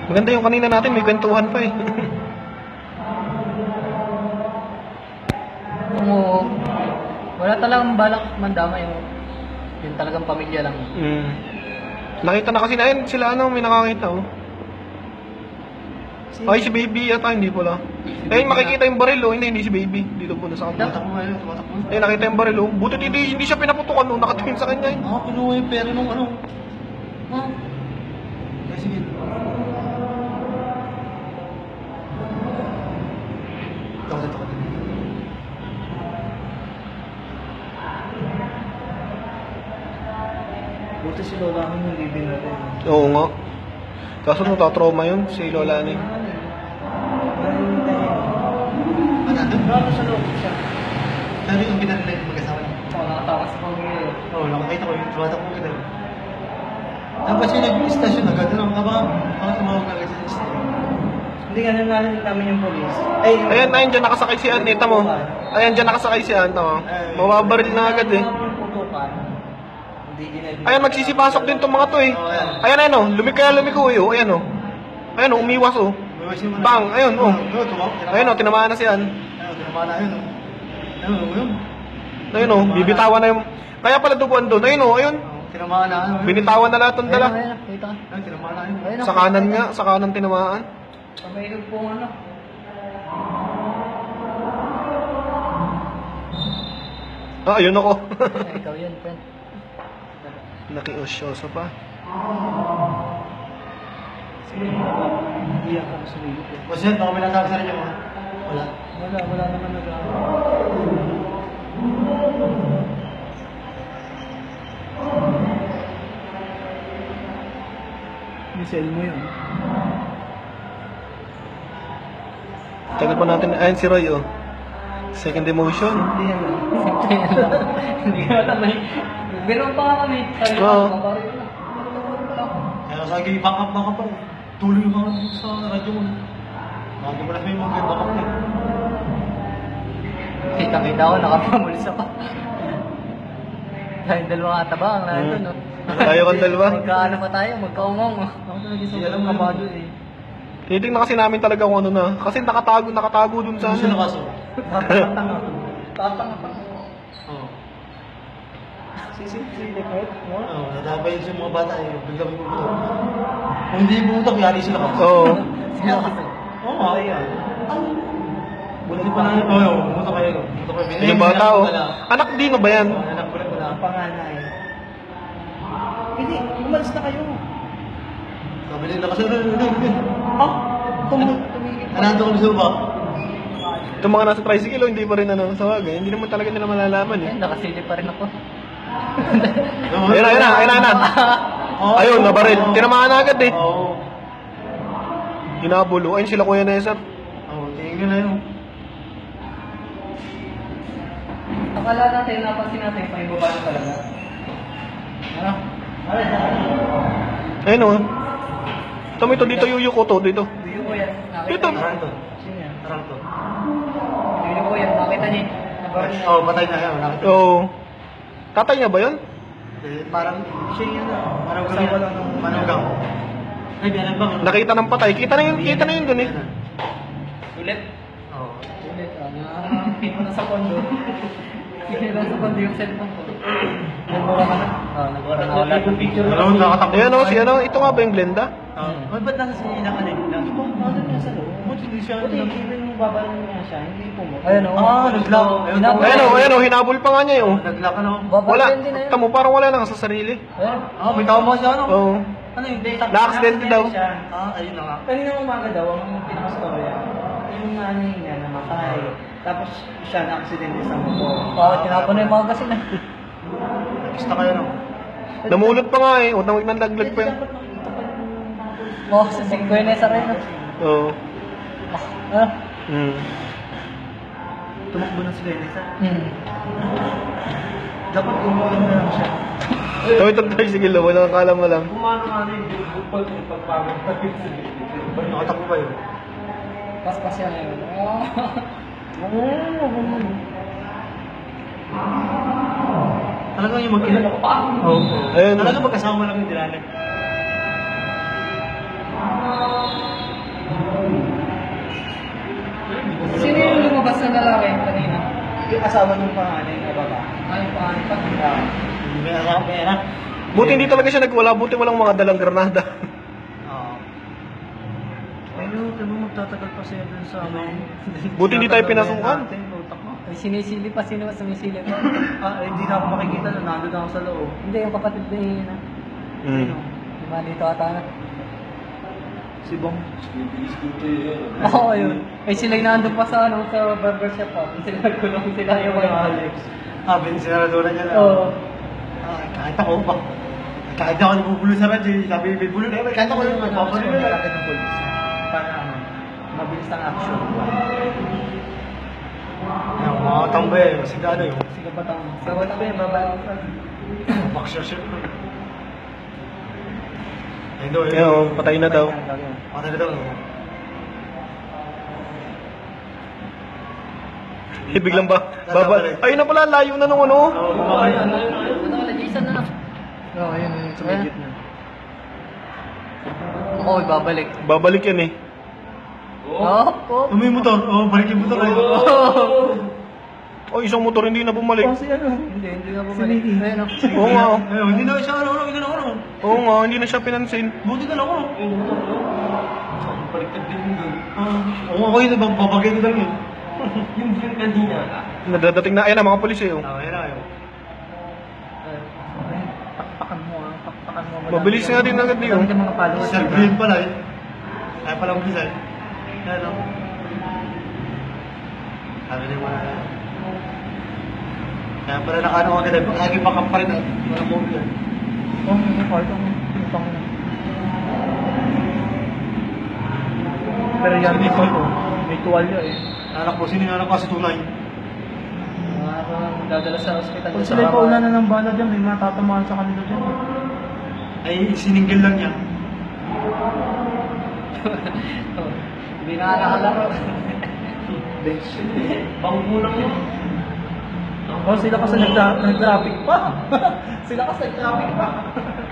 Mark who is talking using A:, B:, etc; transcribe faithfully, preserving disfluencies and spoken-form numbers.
A: Maganda yung kanina natin, may kwentuhan pa eh.
B: Oo. Wala talagang balak mandama yung yung talagang pamilya lang.
A: Mm. Nakita na kasi na, ayun, sila ano, may nakakita oh. Ay, si Baby yata, hindi pala. Ayun, makikita yung baril oh, hindi, hindi si Baby. Dito po, nasa kanila.
C: Tumatak mo ngayon, tumatak mo.
A: Ayun, nakita yung baril oh. Buti hindi, hindi siya pinaputukan oh, nakatingin sa kanya yun.
C: Ah, pinuha yung pera nung ano. Ah. Eh, sige. Takot, takot. Buti si Lola ang hindi binatay.
A: Oo nga. Kaso natatrauma yun, si Lola ni.
C: Ah, nandun? Bravo sa loob siya. Sabi yung pinarila yung mag-asawa niya.
B: Oo, nakatawa sa pamilya.
C: Oo, nakakita ko yung tumatak mo kita. Tapos siya nag-istasyon agad. Ano, aba, ako tumawag na agad sa istasyon. Hindi nga nanahin namin yung polis. Ay, yung...
A: Ayan, ayun, dyan nakasakay si Ann, kita mo. Ayan, dyan nakasakay si Ann, tama. Mababaril na agad eh. Ayan, magsisipasok din tong mga to eh. Ayan, ayun oh, lumiko yan, lumiko eh, oh, ayan oh. Ayan oh, umiwas oh. Bang, ayun oh. Ayun oh, tinamaan na si Ann.
C: Ayun, tinamaan na yun. Ayun, ayun.
A: Ayun oh, bibitawan na yung... Kaya pala duguan doon, ayun oh, ayun.
C: Tinamaan na.
A: Binitawan na lahat ng dala.
B: Ayun, ayun, kita.
C: Ayun, tinamaan na yun.
B: Ayun,
A: Sa kanan nga, sa kanan tinamaan.
B: Pamayog po ano.
A: Ah, ayun ako.
B: Ay, ikaw yun, friend.
A: Nakiosyoso pa.
B: Hindi ako sumilip eh.
C: Boss yan, baka may nasabi sa rin mo. Wala.
B: Wala, wala naman nag Misel mo yun.
A: Tagal pa natin, ayun si Roy oh. Second emotion.
B: Hindi yan lang. Simple yan lang. Hindi ka alam eh. Meron pa nga kami. Sabi ko,
A: Oo.
B: mabaril na.
C: Kaya sa akin, back up, back up pa. Tuloy yung mga sa radyo mo. Lagi mo na may mga back up na.
B: Kita-kita ko, nakapamulsa pa. Tayong dalawang ataba ang nandun, no?
A: Tayo kang dalawa.
B: Magkaano pa tayo, magkaungong. Ako talaga
C: Hindi
B: sa
C: alam mo
B: kabado
C: yun.
B: eh.
A: Tinitingnan kasi namin talaga kung ano na. Kasi nakatago, nakatago dun sa
C: Ano siya
A: ano.
C: nakaso?
B: Tatanga. Tatanga pa.
C: Oo.
B: Sisip-sisip, right?
C: Oo, nadabay yun sa mga bata eh. Biglang yung buto. Kung hindi buto, yari sila ka.
A: Oo.
B: Sila kasi.
C: Oo, nga. Buti pa na yun. Oo, buto kayo. Buto kayo.
A: Yung bata oh. Anak Dino ba yan?
C: Anak ko rin wala.
B: Ang panganay. Hindi, umalis na kayo.
C: Sabi nila kasi, ano, ano, ano.
B: Ah, tum- tumigil pa.
C: Anando ko sa ba?
A: Itong mga nasa tricycle oh, hindi pa rin ano. Sa bagay, hindi naman talaga nila malalaman eh.
B: Eh, nakasilip pa rin ako.
A: Ayun na, ayun na, ayun na, ayun na. Ayun, nabaril. Tinamaan na agad eh.
C: Oo.
A: Hinabulo. Ayun sila Kuya Nestor.
C: Oo, tingin na yun.
B: Akala natin, napansin natin, pa yung baba na talaga. Ano?
A: Ayun oh. Tama ito, dito yuyo ko to, dito.
B: Hindi ko yan. Nakita
A: Dito.
B: niyo.
C: Taranto.
B: Sino yan?
C: Taranto.
B: Hindi ko yan. Nakita niyo. Nabaril niya.
C: Oo, patay na yan. Nakita.
A: Oo. Tatay niya ba yun?
C: Eh, parang siya yun na. Parang kasama lang ng manugang. Ay, biyanan ba?
A: Nakita ng patay. Kita na yun, kita na yun dun eh.
B: Ulit.
C: Oo.
B: Ulit. Ah, nakakita na sa kondo. Kinira sa kondo yung cellphone ko. Nagmura ka na? Oo, nagmura na ako lahat ng picture.
C: Ano, nakatakbo.
A: Ayan oh, si ano, ito nga ba yung Glenda?
C: Ah, Ay, ba't nasa siya inakalin? Di ba, nasa niya sa loob? Ba't hindi siya?
B: Buti, even yung babaril niya siya, hindi po mo. Ayun o.
C: Ah, naglock. Ayun,
B: Hinabol.
A: Ayan oh, ayan oh, hinabol pa nga niya yun.
C: Naglock ka na.
A: Wala,
B: Babaril din na yun.
A: tamo, parang wala na sa sarili.
B: Ayun.
C: Ah, may tama siya, ano?
A: Oo.
C: Ano yung data?
A: Na-accidente daw.
C: Ah, ayun na nga.
B: Kanina umaga daw, ang pinakastorya, yung nanay niya namatay. Tapos siya na-aksidente sa motor. Bakit tinapon na yung mga kasi na?
C: Nakista kayo, no?
A: Namulot pa nga eh, huwag nang nang laglag pa yun.
B: Oo, sa Sigwene sa rin.
A: Oo.
B: Ah.
A: Hmm.
C: Tumakbo na sila yun, isa.
B: Hmm.
C: Dapat umulan na lang siya.
A: Tawid ang tricycle oh, walang akala mo lang.
C: Kumano nga na yung bukol yung pagpagod. Nakatakbo ba yun?
B: Paspas yan yun.
C: Talagang yung mag-ina. Oo.
A: Ayun.
C: Talagang magkasama lang yung dinalik.
D: Sino yung lumabas na lalaki kanina?
B: Yung asawa ng panganay na baba.
D: Ay, paano pa?
C: May anak, may anak.
A: Buti hindi talaga siya nagwala, buti walang mga dalang granada.
C: Oo. Ayun, tayo magtatagal pa siya dun sa amin.
A: Buti hindi tayo pinasukan.
D: Ay, sinisili pa, sino sumisili pa?
C: Ah, eh, hindi na ako makikita na nandun ako sa loob.
D: Hindi, yung kapatid ni na.
A: Mm.
D: Lima dito ata na.
C: Si Bong.
D: Oo, yun. Ay, sila yung nandun pa sa, ano, sa barbershop pa. Sila nagkulong sila yung
C: Yung Alex. Ah, binisinaradunan niya na.
D: Oo.
C: Ah, kahit ako pa. Kahit ako nabubulo sa radyo, sabi may bulo na yun. Kahit ako yung
B: Tapos
C: nagpapalit
B: yung
C: na
B: malapit ng police. Para ano, mabilis ang action.
C: Yung mga tambay, masigado yun.
B: Sige ba tao? Sa wala ba yung babalik sa...
C: Boxer shirt. Ayun daw,
A: Kaya oh, patay na daw.
C: Patay na daw. no?
A: Eh, biglang ba? Babal. Ayun na pala, layo na nung ano.
C: Oo, kumakain.
D: Ano, wala, Jason na.
B: Oo, yun yung sa
D: may
B: gitna.
D: Oo, babalik.
A: Babalik yan eh.
D: Oo, oo.
C: Ano yung motor? Oo, balik yung motor. Ayun.
A: Oh, isang motor hindi na bumalik.
B: Kasi ano,
D: Hindi, hindi na
B: si
D: bumalik.
B: Mickey.
D: Ayun, oh.
A: Oo nga. oh.
C: Ayun, hindi na siya ano, ano, hindi na ano.
A: Oo nga, hindi na siya pinansin.
C: Buti na lang ako. Baliktad din yun doon. Oo, ako yun, babagay ko lang yun. Yung yung kanina.
A: Nadadating na, ayan na mga polis eh. Oh.
C: Ah, yun na yun.
B: Pakpakan mo ah, pakpakan mo. Madami
A: Mabilis
B: ka-
A: nga din agad yun.
B: madami kang mga followers.
C: Sir Green pala eh. Kaya pala ang design. Kaya lang. Sabi niya mga... Kaya pala nakaano agad eh. Lagi pa pa rin ah. Walang mobile eh.
B: Oh, may part ang pintang na. Pero yan, may part oh. May tuwalya eh.
C: Anak ko, sino yung anak ko sa tunay?
D: Ah, dadala sa ospital.
B: Kung sila pa ulan na ng bala dyan, may mga tatamaan sa kanila dyan.
C: Ay, siningil lang niya.
D: Hindi na nakalaro.
B: Bench.
D: Pangkulang mo.
B: Oh, sila kasi nagtra- nag-traffic pa. Sila kasi nag-traffic pa.